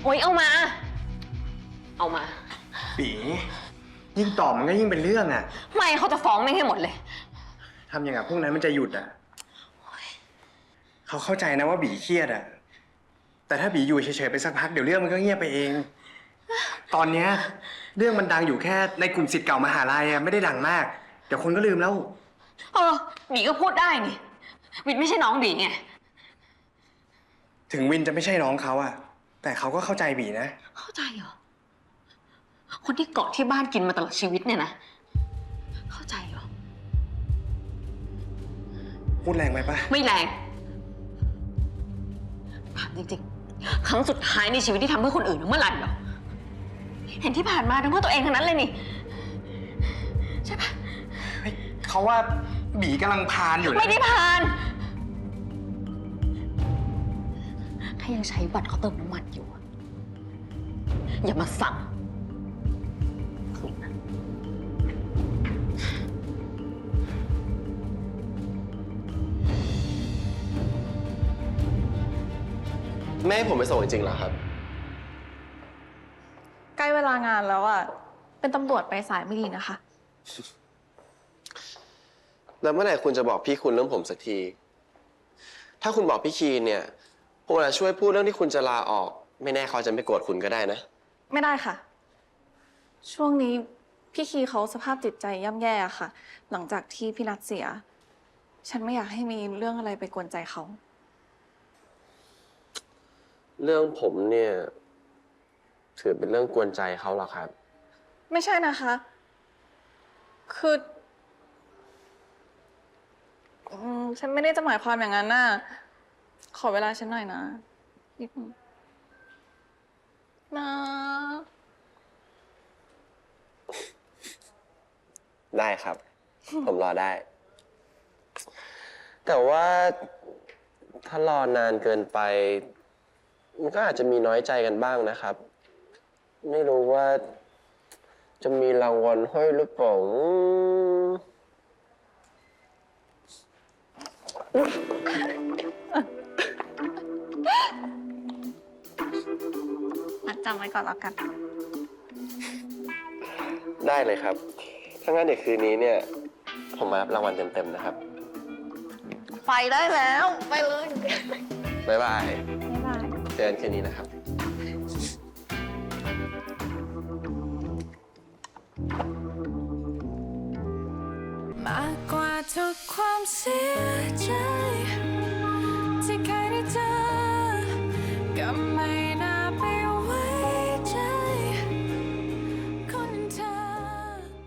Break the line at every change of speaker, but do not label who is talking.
โอ๊ยเอามา
ปียิ่งตอบมันก็ยิ่งเป็นเรื่องอ่ะ
ไม่เขาจะฟ้องแม่งให้หมดเลย
ทำอย่างกับพวกนั้นมันจะหยุดอ่ะเขาเข้าใจนะว่าบีเครียดอ่ะแต่ถ้าบีอยู่เฉยๆไปสักพักเดี๋ยวเรื่องมันก็เงียบไปเองตอนเนี้ยเรื่องมันดังอยู่แค่ในกลุ่มศิษย์เก่ามหาลัยอ่ะไม่ได้ดังมากเดี๋ยวคนก็ลืมแล้ว
บีก็พูดได้นี่วินไม่ใช่น้องบีไง
ถึงวินจะไม่ใช่น้องเขาอ่ะแต่เขาก็เข้าใจบีนะ
เข้าใจเหรอคนที่เกาะที่บ้านกินมาตลอดชีวิตเนี่ยนะเข้าใจเหรอ
พูดแรงไหมปะ
ไม่แรงถามจริงๆครั้งสุดท้ายในชีวิตที่ทำเพื่อคนอื่นเมื่อไหร่เหรอเห็นที่ผ่านมาทำเพื่อตัวเองทั้งนั้นเลยนี่ใช่ปะ
เขาว่าบีกำลังพานอยู่
ไม่ได้พานถ้ายังใช้บัตรเขาเติมน้ำมันอยู่อย่ามาสั่ง
แม่ให้ผมไปส่งจริงๆเหรอครับ
ใกล้เวลางานแล้วอ่ะเป็นตำรวจไปสายไม่ดีนะคะ
แล้วเมื่อไหร่คุณจะบอกพี่คุณเรื่องผมสักที ถ้าคุณบอกพี่คีนเนี่ยผมอาจจะช่วยพูดเรื่องที่คุณจะลาออกไม่แน่เขาจะไม่โกรธคุณก็ได้นะ
ไม่ได้ค่ะช่วงนี้พี่คีเขาสภาพจิตใจย่ำแย่ค่ะหลังจากที่พี่นัทเสียฉันไม่อยากให้มีเรื่องอะไรไปกวนใจเขา
เรื่องผมเนี่ยถือเป็นเรื่องกวนใจเขาหรอครับ
ไม่ใช่นะคะคือฉันไม่ได้จะหมายความอย่างนั้นน่ะขอเวลาฉันหน่อยนะนิดนึงนะ
ได้ครับ ผมรอได้ แต่ว่าถ้ารอนานเกินไปมันก็อาจจะมีน้อยใจกันบ้างนะครับ ไม่รู้ว่าจะมีรางวัลให้หรือเปล่า
จำไว้ก่อนแล้วกัน
ได้เลยครับถ้างั้นเดี๋ยวคืนนี้เนี่ยผมมารับรางวัลเต็มๆนะครับ
ไปได้แล้วไปเลย
บ๊ายบาย
บ๊ายบาย
เจอกันคืนนี้นะครับ
มากกว่าทุกความเสียใจ